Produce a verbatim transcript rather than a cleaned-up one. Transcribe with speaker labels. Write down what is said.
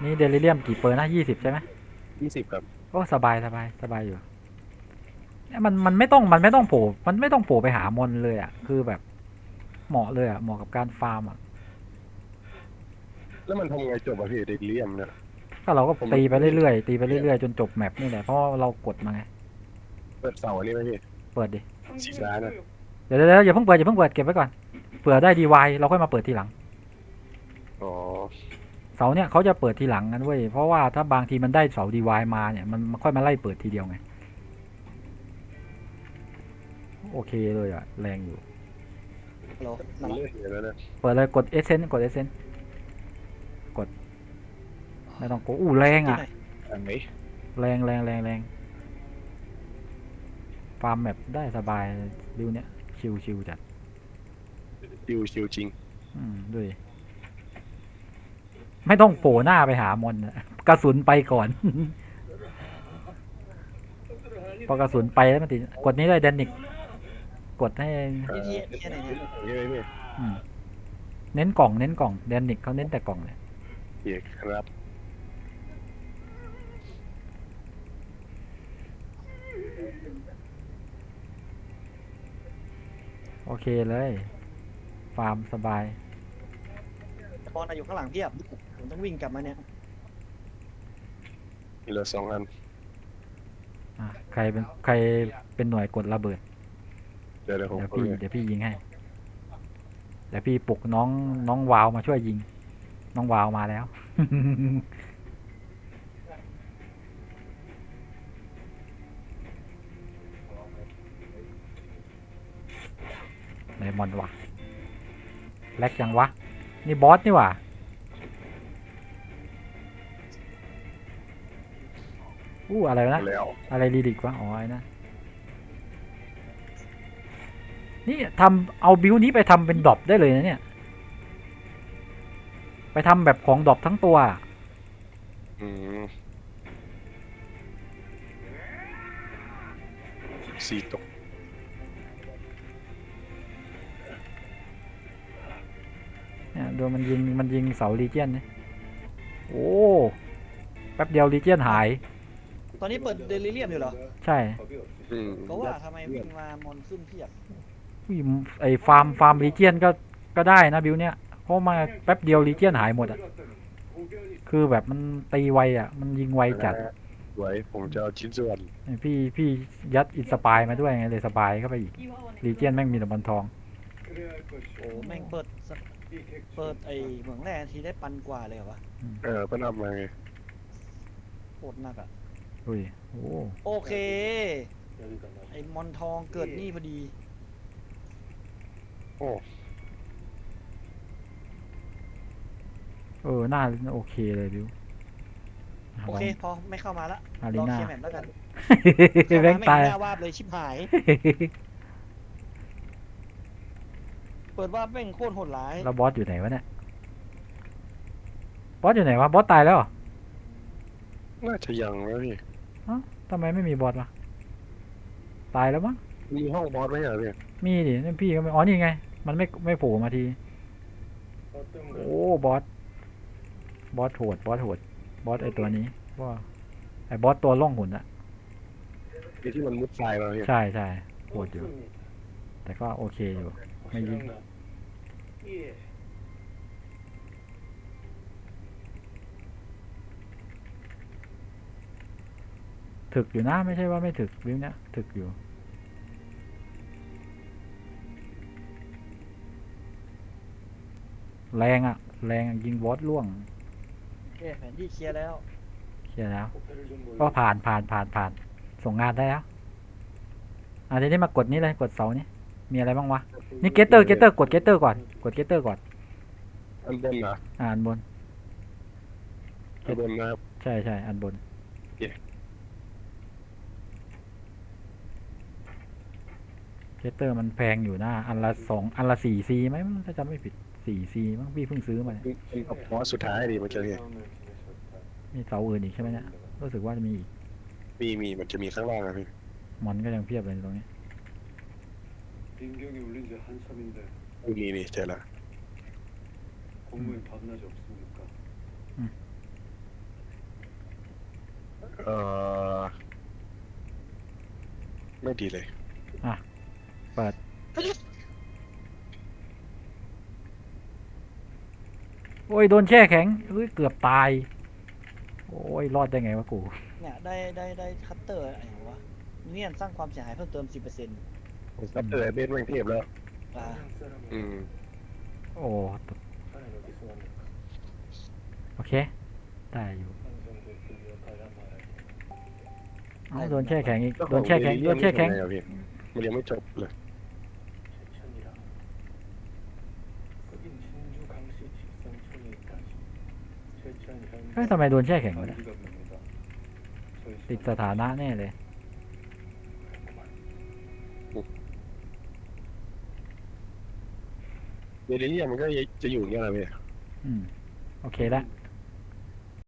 Speaker 1: นี่เดลิเรียมกี่เปอร์นะยี่สิบใช่ไหม
Speaker 2: ยี่สิบครับ
Speaker 1: โอ้สบายสบายสบายอยู่เนี่ยมันมันไม่ต้องมันไม่ต้องโผล่มันไม่ต้องโผล่ไปหามอนเลยอ่ะคือแบบเหมาะเลยอ่ะเหมาะกับการฟาร์มอ่ะ
Speaker 2: แล้วมันทำไงจบอะพี่เดลิเรียมเนี่ย
Speaker 1: ก็เราก็
Speaker 2: ผม
Speaker 1: ตีไป
Speaker 2: ไม่
Speaker 1: เรื่อยๆตีไปเรื่อยๆจนจบแมปนี่แหละเพราะว่าเรากดมาไง
Speaker 2: เปิดเสาอันนี้ไหมพี่
Speaker 1: เปิดดิ
Speaker 2: สีฟ้านะ
Speaker 1: เดี๋ยวเดี๋ยวอย่าเพิ่งเปิดอย่าเพิ่งเปิดเก็บไว้ก่อนเผื่อได้ดีวายเราค่อยมาเปิดทีหลัง
Speaker 2: อ๋อ
Speaker 1: เสาเนี่ยเขาจะเปิดทีหลังกันเว้ยเพราะว่าถ้าบางทีมันได้เสาดีวายมาเนี่ยมันมันค่อยมาไล่เปิดทีเดียวไงโอเคเลยอ่ะแรงอยู่
Speaker 3: ฮัลโหล
Speaker 2: มั
Speaker 3: มาน ละ
Speaker 2: เลื่อนอยู่แล้วนะ
Speaker 1: เปิดเลยกดเอเซนกดเอเซนกดไม่ต้องกดอู้แรงอ่ะ
Speaker 2: อันไหน
Speaker 1: แรงแรงแรงแรงฟาร์มแมปได้สบายดิวเนี้ยชิวชิวจัด
Speaker 2: ชิวชิวจริง
Speaker 1: อืมด้วยไม่ต้องโผล่หน้าไปหามอนอะกระสุนไปก่อน พอกระสุนไปแล้วมันติดกดนี้เลยแดนนิกกดให้
Speaker 2: เอ่
Speaker 3: นี่
Speaker 2: อ
Speaker 3: ที่ที่ไหนเนี่ย
Speaker 2: ใช่ไหมพี่
Speaker 1: อืมเน้นกล่องเน้นกล่องแดนนิกเขาเน้นแต่กล่องเลย
Speaker 2: เอกครับ
Speaker 1: โอเคเลยฟาร์มสบาย
Speaker 3: บอลอยู่ข้างหลังเพียบผมต้องวิ่งกลับมาเนี่ย
Speaker 2: มีเหลือสองอัน
Speaker 1: อ่ะใครเป็นใครเป็นหน่วยกดระเบิด
Speaker 2: เดี๋ยวเดี๋ยวผม
Speaker 1: เดี๋ยว
Speaker 2: เอา
Speaker 1: พี่
Speaker 2: เลย
Speaker 1: เดี๋ยวพี่ยิงให้เดี๋ยวพี่ปลุกน้องน้องวาวมาช่วยยิงน้องวาวมาแล้ว ไดมอนด์วะแลกยังวะนี่บอสนี่หว่าอู้อะไรวะนะ
Speaker 2: แล้ว
Speaker 1: อะไรรีดิกวะอ๋อไอ้นะนี่ทำเอาบิวนี้ไปทำเป็นดรอปได้เลยนะเนี่ยไปทำแบบของดรอปทั้งตัว
Speaker 2: อืมสี่ตก
Speaker 1: เนี่ยดูมันยิงมันยิงเสาลีเจียนเนี่ยโอ้แป๊บเดียวลีเจียนหาย
Speaker 3: ตอนนี้เปิดเดลิเรียมอยู่เหรอ
Speaker 1: ใช่
Speaker 2: อืม
Speaker 3: ก็ว่าทำไมวิ่งมามอนขึ้นเพียบ
Speaker 1: อุ้ยไอฟาร์มฟาร์มลีเจียนก็ก็ได้นะบิวเนี่ยเพราะมาแป๊บเดียวลีเจียนหายหมดอ่ะคือแบบมันตีไวอ่ะมันยิงไวจัด
Speaker 2: สวยผมจะเอาชิ้นส่วน
Speaker 1: พี่พี่ยัดอินสปายมาด้วยไงเลยสบายเข้าไปอีกลีเจียนแม่งมีแต่บอลทอง
Speaker 3: โอ้แม่งเปิดสเปิดไอเหมืองแร่ทีได้ปันกว่าเลยเหรอวะ
Speaker 2: เออเพิ่นเอามาไง
Speaker 3: โคตรหนักอ่ะ
Speaker 1: อุ้ยโอ้
Speaker 3: โอเคไอมอนทองเกิดนี่พอดี
Speaker 2: โอ้
Speaker 1: เออหน้าโอเคเลยบิว
Speaker 3: โอเคพอไม่เข้ามาละ
Speaker 1: อารี
Speaker 3: รอ
Speaker 1: นา
Speaker 3: เคลียร์แมปแล้วกัน
Speaker 1: แบงค์ตาย
Speaker 3: เข้มไม่เห็นหน้าวาบเลยชิบหาย เปิดวาบแม่งโคตรโหดร้าย
Speaker 1: แล้วบอสอยู่ไหนวะเนี่ยบอสอยู่ไหนวะบอสตายแล้วเหรอ
Speaker 2: น่าจะยังนะพี่
Speaker 1: เอ้าทำไมไม่มีบอสวะตายแล้วมั้ง
Speaker 2: มีห้องบอสไหมอ่ะพี่
Speaker 1: มีดินี่พี่ก็ไม่อ๋อนี่ไง มันไม่ไม่โผล่มาที โอ้บอส บอสโหด บอสโหด บอสไอตัวนี้ว่าไอบอสตัวล่องหุ่นอะ
Speaker 2: มีที่มันมุดทรายมาพี่
Speaker 1: ใช่ใช่โหดอยู่ แต่ก็โอเคอยู่ ไม่ยิงถึกอยู่นะไม่ใช่ว่าไม่ถึกวิวเนี้ยถึกอยู่ แรงอะแรงอะยิงบอสล่วง
Speaker 3: โอเคแผนที่เคลียร์แล้ว
Speaker 1: เคลียร์แล้ว ก็ผ่านผ่านผ่านผ่าน ส่งงานได้แล้วอ่ะทีนี้มากดนี้เลยกดเสานี้มีอะไรบ้างวะ นี่เกตเตอร์เกตเตอร์กดเกตเตอร์ก่อน กดเกตเตอร์ก่อน
Speaker 2: อันบนนะ
Speaker 1: อ่านบน
Speaker 2: อันบนนะครับ
Speaker 1: ใช่ใช่อันบน
Speaker 2: โอเค
Speaker 1: เกตเตอร์มันแพงอยู่นะอันละสองอันละสี่ซีไหมถ้าจำไม่ผิดสี่ซีมั้งพี่เพิ่งซื้อมาเนี่ย
Speaker 2: เป็นกับบอสสุดท้ายดิมันจะมี
Speaker 1: มีเสาอื่นอีกใช่ไหมเนี่ยรู้สึกว่าจะมีอีก
Speaker 2: มีมีมันจะมีข้างล่างอะพี่
Speaker 1: มอนก็ยังเพียบเลยตรงนี้
Speaker 4: 민경이 울린 지 한참인데
Speaker 2: มีนี่เจอแล้ว
Speaker 4: 공무원 밤낮이 없습니까?
Speaker 2: เออไม่ดีเลย
Speaker 1: เปิดโอ้ยโดนแช่แข็งเฮ้ยเกือบตายโอ้ยรอดได้ไงวะกู
Speaker 3: เนี่ยได้ได้ได้คัตเตอร์อะไรวะเนี่ยสร้างความเสียหายเพิ่มเติมสิบเปอร์เซ็นต์
Speaker 2: ผมก็เตอร์เบสแม่งเทพแล้ว
Speaker 3: อ่า
Speaker 2: อืม
Speaker 1: โอ้โอเคได้อยู่เอ้าโดนแช่แข็งอีกโดนแช่แข็งโดนแช่แข็ง
Speaker 2: มันยังไม่จบเลย
Speaker 1: เฮ้ยทำไมโดนแช่แข็งวะเนี่ยติดสถานะแน่เลย
Speaker 2: เดลิเรียมมันก็จะอยู่อย่างเงี้ยแหละพี่
Speaker 1: อืมโอเคละ